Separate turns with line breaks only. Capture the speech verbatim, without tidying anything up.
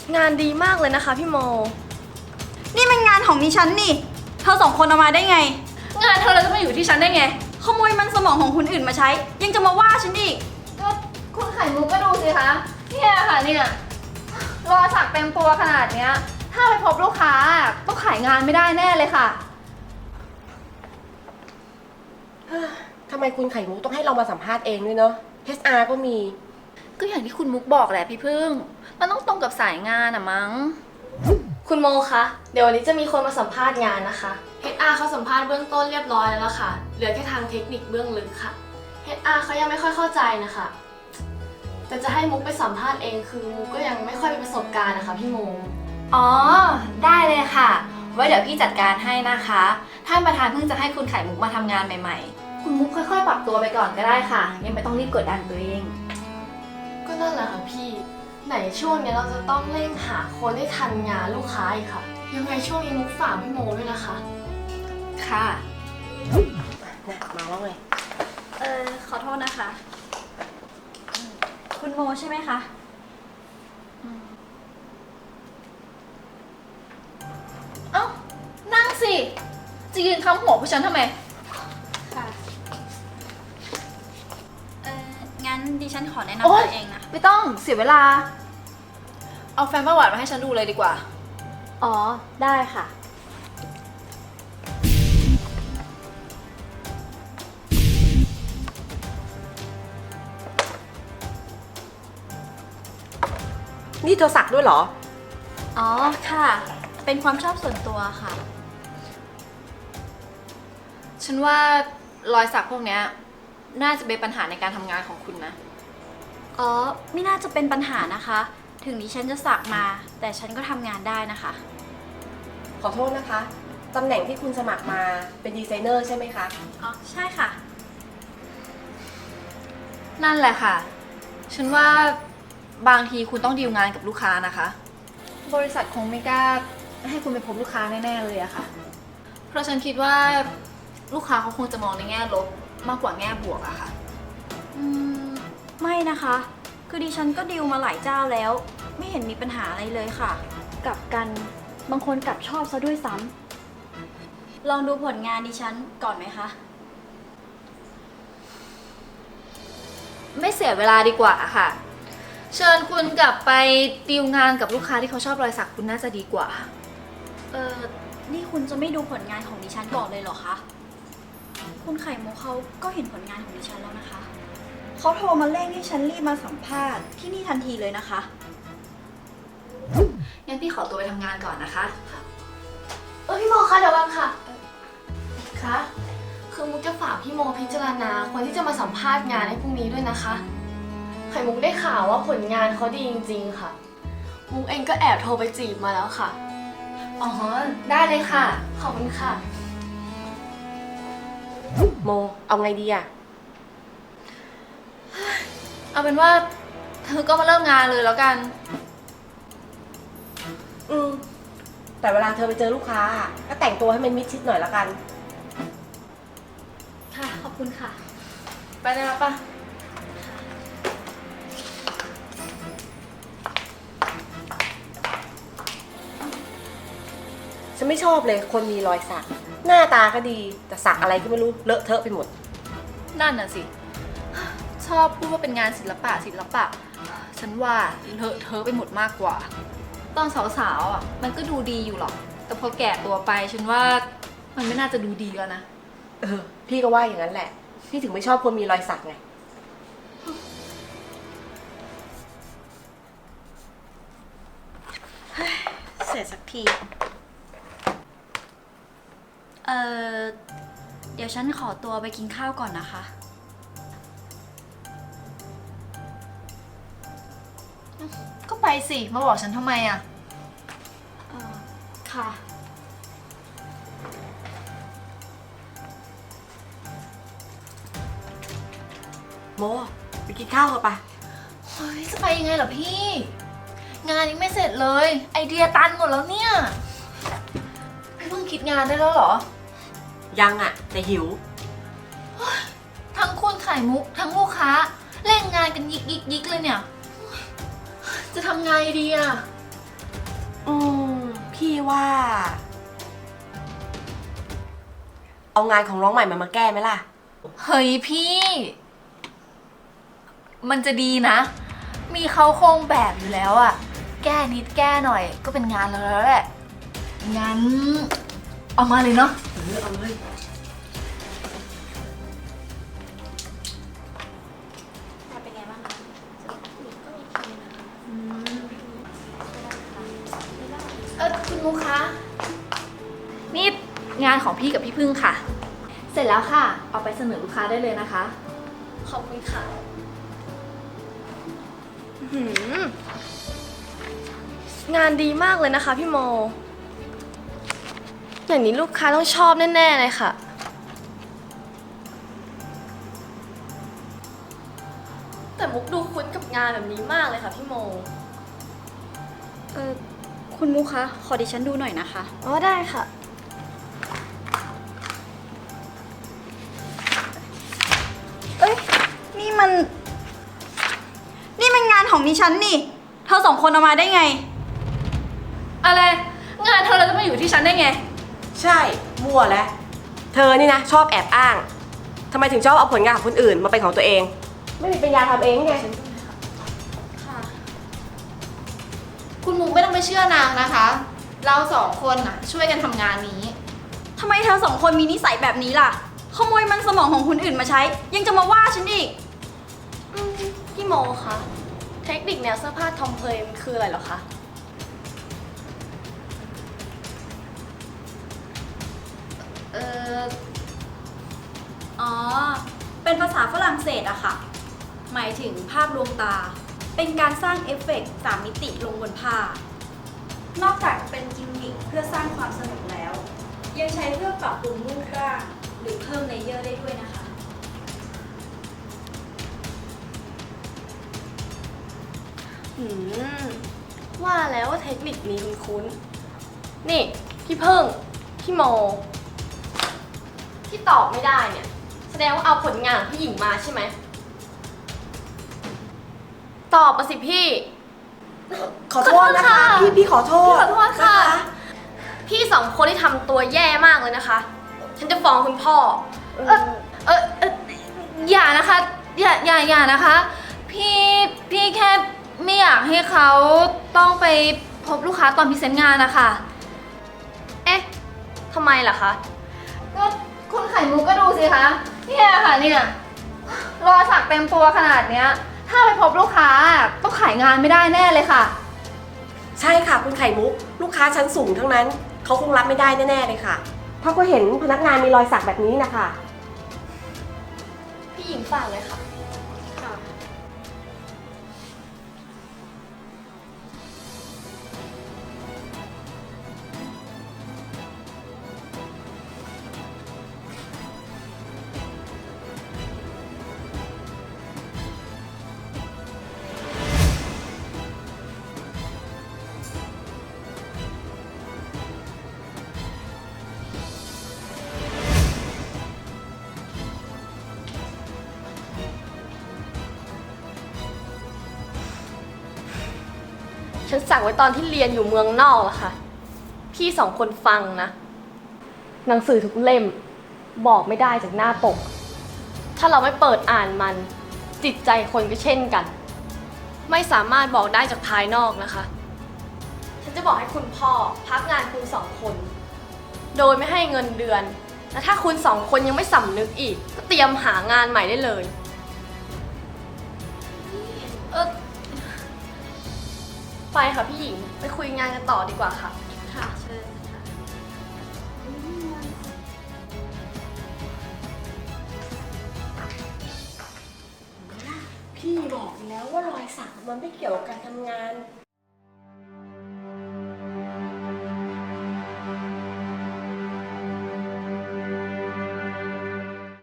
งานดีมากเลยนะคะพี่โม
นี่มันงานของดิฉันนี่เธอสองคนเอามาได้ไง
งานเธอเราจะมาอยู่ที่ฉันได้ไง
ขโมยมันสมองของคนอื่นมาใช้ยังจะมาว่าฉันอีก
ก็คุณไข่มุกก็ดูสิคะเนี่ยค่ะเนี่ยรอยสักเต็มตัวขนาดเนี้ยถ้าไปพบลูกค้าต้องขายงานไม่ได้แน่เลยค่ะ
ทำไมคุณไข่มุกต้องให้เรามาสัมภาษณ์เองด้วยเนาะ เอช อาร์ ก็มี
ก็อย่างที่คุณมุกบอกแหละพี่พึ่งมันต้องตรงกับสายงานอะมั้ง
คุณโมคะเดี๋ยววันนี้จะมีคนมาสัมภาษณ์งานนะคะ เอช อาร์ เขาสัมภาษณ์เบื้องต้นเรียบร้อยแล้วล่ะค่ะเหลือแค่ทางเทคนิคเบื้องลึกค่ะ เอช อาร์ เขายังไม่ค่อยเข้าใจนะคะแต่จะให้มุกไปสัมภาษณ์เองคือมุกก็ยังไม่ค่อยมีประสบการณ์นะคะพี่โม
อ๋อได้เลยค่ะไว้เดี๋ยวพี่จัดการให้นะคะท่านประธานเพิ่งจะให้คุณไข่มุกมาทำงานใหม่ๆคุณมุกค่อยๆปรับตัวไปก่อนก็ได้ค่ะยังไม่ต้องรีบกดดันตัวเอง
ก็นั่นแหละค่ะพี่ไหนช่วงนี้เราจะต้องเร่งหาคนให้ทันงานลูกค้าอีกค่ะยังไงช่วงนี้มุกฝากพี่โมด้วยนะคะ
ค่ะ
น่ะมาแล้วไง
เออขอโทษนะคะคุณโมใช่ไหมคะ
เอ้านั่งสิจะยืนค้ำหัวผู้ฉันทำไม
ค่ะเอองั้นดิฉันขอแนะนำ
โอ๊ย
ตัวเองนะ
ไม่ต้องเสียเวลาเอาแฟ้มประวัติมาให้ฉันดูเลยดีกว่า
อ๋อได้ค่ะ
นี่เธอสักด้วยเหรอ
อ๋อค่ะ เป็นความชอบส่วนตัวค่ะ
ฉันว่ารอยสักพวกเนี้ยน่าจะเป็นปัญหาในการทำงานของคุณนะ
อ๋อไม่น่าจะเป็นปัญหานะคะ ถึงดิฉันจะสักมา แต่ฉันก็ทำงานได้นะคะ
ขอโทษนะคะ ตำแหน่งที่คุณสมัครมาเป็นดีไซเนอร์ใช่ไหมคะ
อ๋อใช่ค่ะ
นั่นแหละค่ะ ฉันว่าบางทีคุณต้องดีลงานกับลูกค้านะคะ บริษัทคงไม่กล้าให้คุณไปพบลูกค้าแน่ๆเลยอะค่ะ เพราะฉันคิดว่าลูกค้าเขาคงจะมองในแง่ลบมากกว่าแง่บวกอะค่ะ
อืมไม่นะคะ คือดิฉันก็ดีลมาหลายเจ้าแล้ว ไม่เห็นมีปัญหาอะไรเลยค่ะ กลับกันบางคนกลับชอบซะด้วยซ้ำลองดูผลงานดิฉันก่อนไหมคะ
ไม่เสียเวลาดีกว่าค่ะ เชิญคุณกลับไปดีลงานกับลูกค้าที่เขาชอบรอยสักคุณน่าจะดีกว่า
เออนี่คุณจะไม่ดูผลงานของดิฉันก่อนเลยเหรอคะคุณไข่มุกเขาก็เห็นผลงานของดิฉันแล้วนะคะเขาโทรมาเร่งให้ฉันรีบมาสัมภาษณ์ที่นี่ทันทีเลยนะคะ
งั้นพี่ขอตัวไปทำงานก่อนนะคะ
เออพี่โมคะเดี๋ยวก่อนค่ะคะคือมุกจะฝากพี่โมพิจารณาคนที่จะมาสัมภาษณ์งานในพรุ่งนี้ด้วยนะคะไข่มุกได้ข่าวว่าผลงานเขาดีจริงๆค่ะมุกเองก็แอบโทรไปจีบมาแล้วค่ะ
อ๋อได้เลยค่ะ
ขอบคุณค่ะ
โม เอาไงดีอะ
เอาเป็นว่าเธอก็มาเริ่มงานเลยแล้วกัน
อืมแต่เวลาเธอไปเจอลูกค้าก็แต่งตัวให้มันมิดชิดหน่อยละกัน
ค่ะขอบคุณค่ะ
ไปได้แล้วปะ
ฉันไม่ชอบเลยคนมีรอยสักหน้าตาก็ดีแต่สักอะไรก็ไม่รู้เลอะเทอะไปหมด
นั่นน่ะสิชอบพูดว่าเป็นงานศิลปะศิลปะฉันว่าเลอะเทอะไปหมดมากกว่าตอนสาวๆอ่ะมันก็ดูดีอยู่หรอกแต่พอแก่ตัวไปฉันว่ามันไม่น่าจะดูดีแล้วนะ
เออพี่ก็ว่าอย่างนั้นแหละพี่ถึงไม่ชอบคนมีรอยสักไง
เสร็จสักทีเออเดี๋ยวฉันขอตัวไปกินข้าวก่อนนะคะ
ก็ไปสิมาบอกฉันทำไมอ่ะ
เออค่ะ
โมไปกินข้าวเถอะปะ
เฮ้ยจะไปยังไงเหรอพี่งานยังไม่เสร็จเลยไอเดียตันหมดแล้วเนี่ยพี่เพิ่งคิดงานได้แล้วเหรอ
ยังอ่ะแต่หิว
ทั้งคุณไข่มุกทั้งลูกค้าเร่งงานกันยิกยิกยิกเลยเนี่ยจะทำไงดีอ่ะ
อืม พี่ว่า เอางานของน้องใหม่มามาแก้ไหมล่ะ
เฮ้ยพี่ มันจะดีนะ มีเขาโครงแบบอยู่แล้วอะแก้นิดแก้หน่อยก็เป็นงานเราแล้วแหละ งั้น เอามาเลยเนาะ
เออเอาเลย
เป็นไงบ้างคะ
เออคุณมุกคะ
นี่งานของพี่กับพี่พึ่งค่ะ เสร็จแล้วค่ะ เอาไปเสนอลูกค้าได้เลยนะคะ
ขอบคุณค่ะอื้อหืองานดีมากเลยนะคะพี่โม อย่างนี้ลูกค้าต้องชอบแน่ๆเลยค่ะ แต่มุกดูคุ้นกับงานแบบนี้มากเลยค่ะพี่โม
เออคุณมุกคะ ขอดิฉันดูหน่อยนะคะ
อ๋อได้ค่ะ
เอ้ย นี่มัน นี่มันงานของดิฉันนี่ เธอสองคนเอามาได้ไง
อะไร งานเธอเราจะมาอยู่ที่ฉันได้ไง
ใช่ มั่วแล้ว เธอนี่นะ ชอบแอบอ้าง ทำไมถึงชอบเอาผลงานของคนอื่นมาเป็นของตัวเอง ไม่มีปัญญาทำเองไง
คุณมุกไม่ต้องไปเชื่อนางนะคะ เราสองคนน่ะช่วยกันทำงานนี้
ทำไมเธอสองคนมีนิสัยแบบนี้ล่ะ ขโมยมันสมองของคนอื่นมาใช้ ยังจะมาว่าฉันอีก
อืมพี่โมคะ เทคนิคแนวเสื้อผ้าทอมเพลย์มันคืออะไรเหรอคะ
เออ
อ๋อ เป็นภาษาฝรั่งเศสอะค่ะ หมายถึงภาพลวงตา เป็นการสร้างเอฟเฟกต์สามมิติลงบนผ้า นอกจากเป็นกิมมิคเพื่อสร้างความสนุกแล้ว ยังใช้เพื่อปรับปรุงรูปร่างหรือเพิ่มเลเยอร์ได้ด้วยนะคะ
อืม ว่าแล้วว่าเทคนิคนี้คุ้นๆนี่ พี่เพิ่ง พี่โม ที่ตอบไม่ได้เนี่ย แสดงว่าเอาผลงานของพี่หญิงมาใช่ไหม ตอบมาสิพี่
ขอโทษนะคะ
ขอโทษค่ะ
พี่พี่ขอโทษ
ขอโทษค่ะ
น
พี่สองคนที่ทำตัวแย่มากเลยนะคะ ฉันจะฟ้องคุณพ่อ
เออเออเอออย่านะคะ อย่าอย่าอย่านะคะ พี่พี่แค่ไม่อยากให้เขาต้องไปพบลูกค้าตอนพรีเซนต์งานนะคะ
เอ๊ะทำไมล่ะคะ
ก็คุณไข่มุกก็ดูสิคะเนี่ยค่ะเนี่ยรอยสักเต็มตัวขนาดเนี้ย ถ้าไปพบลูกค้าต้องขายงานไม่ได้แน่เลยค่ะ
ใช่ค่ะคุณไข่มุก ลูกค้าชั้นสูงทั้งนั้น เขาคงรับไม่ได้แน่ๆเลยค่ะเพราะก็เห็นพนักงานมีรอยสักแบบนี้นะคะ
พี่หญิงฝากเลยค่ะ ฉันสั่งไว้ตอนที่เรียนอยู่เมืองนอกแล้วค่ะ พี่สองคนฟังนะ หนังสือทุกเล่มบอกไม่ได้จากหน้าปก ถ้าเราไม่เปิดอ่านมัน จิตใจคนก็เช่นกัน ไม่สามารถบอกได้จากภายนอกนะคะ ฉันจะบอกให้คุณพ่อพักงานคุณสองคน โดยไม่ให้เงินเดือน และถ้าคุณสองคนยังไม่สำนึกอีก ก็เตรียมหางานใหม่ได้เลย
เออ
ไปค่ะพี่หญิง ไปคุยงานกันต่อดีกว่าค่ะ
ค่ะเชิญค่ะ
พี่บอกแล้วว่ารอยสักมันไม่เกี่ยวกับการทำงาน